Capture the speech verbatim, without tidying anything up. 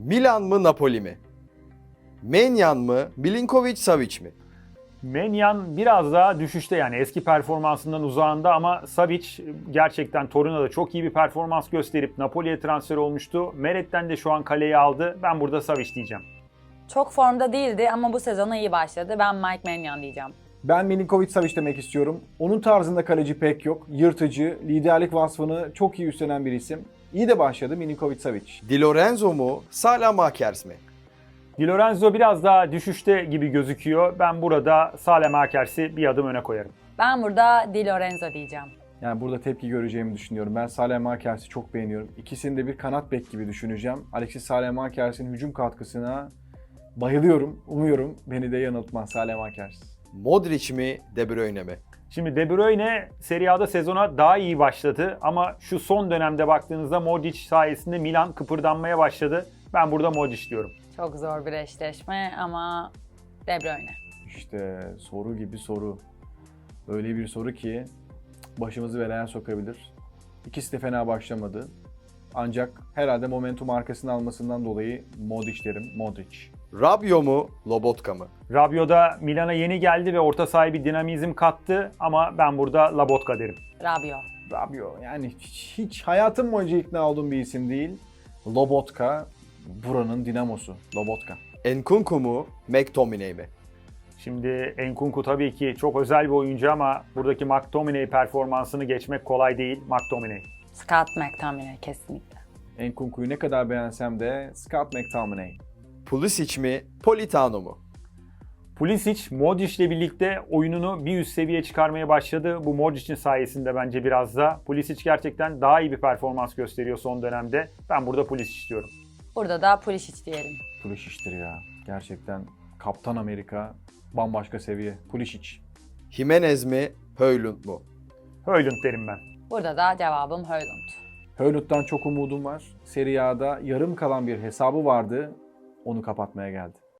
Milan mı Napoli mi? Maignan mı Milinkovic-Savic mi? Maignan biraz daha düşüşte, yani eski performansından uzağında, ama Savic gerçekten Torino'da çok iyi bir performans gösterip Napoli'ye transfer olmuştu. Meriç'ten de şu an kaleyi aldı. Ben burada Savic diyeceğim. Çok formda değildi ama bu sezona iyi başladı. Ben Mike Maignan diyeceğim. Ben Milinkovic-Savic demek istiyorum. Onun tarzında kaleci pek yok. Yırtıcı, liderlik vasfını çok iyi üstlenen bir isim. İyi de başladı Milinkovic-Savic. Di Lorenzo mu Saelemaekers mi? Di Lorenzo biraz daha düşüşte gibi gözüküyor. Ben burada Saelemaekers'i bir adım öne koyarım. Ben burada Di Lorenzo diyeceğim. Yani burada tepki göreceğimi düşünüyorum. Ben Saelemaekers'i çok beğeniyorum. İkisini de bir kanat bek gibi düşüneceğim. Alexis Saelemaekers'in hücum katkısına bayılıyorum. Umuyorum beni de yanıltmaz Saelemaekers. Modric mi De Bruyne mi? Şimdi De Bruyne Serie A'da sezona daha iyi başladı ama şu son dönemde baktığınızda Modric sayesinde Milan kıpırdanmaya başladı. Ben burada Modric diyorum. Çok zor bir eşleşme ama De Bruyne. İşte soru gibi soru. Öyle bir soru ki başımızı belaya sokabilir. İkisi de fena başlamadı. Ancak herhalde momentum arkasını almasından dolayı Modric derim. Modric. Rabiot mu Lobotka mı? Rabiot da Milan'a yeni geldi ve orta sahaya bir dinamizm kattı ama ben burada Lobotka derim. Rabiot. Rabiot yani hiç, hiç hayatım boyunca ikna olduğum bir isim değil. Lobotka buranın dinamosu. Lobotka. Nkunku mu McTominay mi? Şimdi Nkunku tabii ki çok özel bir oyuncu ama buradaki McTominay performansını geçmek kolay değil. McTominay. Scott McTominay kesinlikle. Nkunku'yu ne kadar beğensem de Scott McTominay. Pulisic mi Politano mu? Pulisic, Modric'le birlikte oyununu bir üst seviyeye çıkarmaya başladı. Bu Modric'in sayesinde bence biraz da. Pulisic gerçekten daha iyi bir performans gösteriyor son dönemde. Ben burada Pulisic diyorum. Burada da Pulisic diyelim. Pulisic'tir ya. Gerçekten Kaptan Amerika bambaşka seviye. Pulisic. Jimenez mi Højlund mu? Højlund derim ben. Burada da cevabım Højlund. Højlund'dan çok umudum var. Serie A'da yarım kalan bir hesabı vardı. Onu kapatmaya geldi.